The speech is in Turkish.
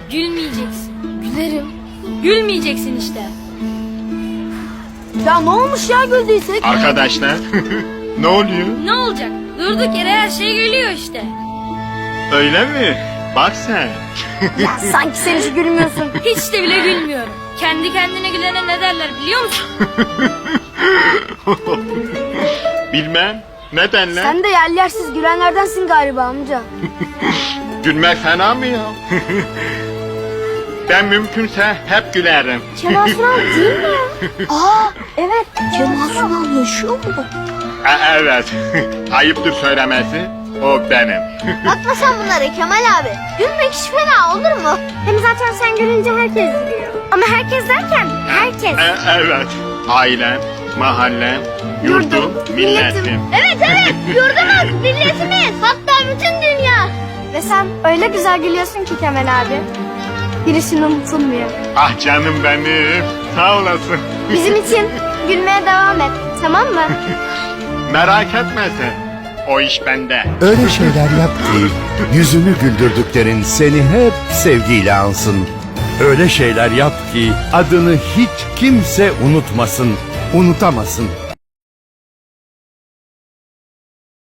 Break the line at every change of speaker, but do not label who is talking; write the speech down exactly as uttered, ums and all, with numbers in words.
Gülmeyeceksin.
Gülerim.
Gülmeyeceksin işte.
Ya ne olmuş ya güldüysek?
Arkadaşlar ne oluyor?
Ne olacak? Durduk yere her şey gülüyor işte.
Öyle mi? Bak sen.
Ya sanki sen hiç gülmüyorsun.
Hiç de bile gülmüyorum. Kendi kendine gülene ne derler biliyor musun?
Bilmem. Ne denler?
Sen de yer yersiz gülenlerdensin galiba amca.
Gülmek fena mı ya? Ben mümkünse hep gülerim.
Kemal Sunal değil mi? Aa evet. Kemal Sunal yaşıyor mu?
E, evet. Ayıptır söylemesi. O benim.
Bakma sen bunlara Kemal abi. Gülmek hiç fena olur mu? Hem zaten sen gülünce herkes gülüyor. Ama herkes derken herkes.
E, evet. Ailem, mahallem, yurdum, milletim.
Evet evet yurdumuz, milletimiz, hatta bütün dünya. Ve sen öyle güzel gülüyorsun ki Kemal abi. Girişin unutulmuyor.
Ah canım benim. Sağ olasın.
Bizim için gülmeye devam et, tamam mı?
Merak etme sen. O iş bende.
Öyle şeyler yap ki yüzünü güldürdüklerin seni hep sevgiyle ansın. Öyle şeyler yap ki adını hiç kimse unutmasın, unutamasın.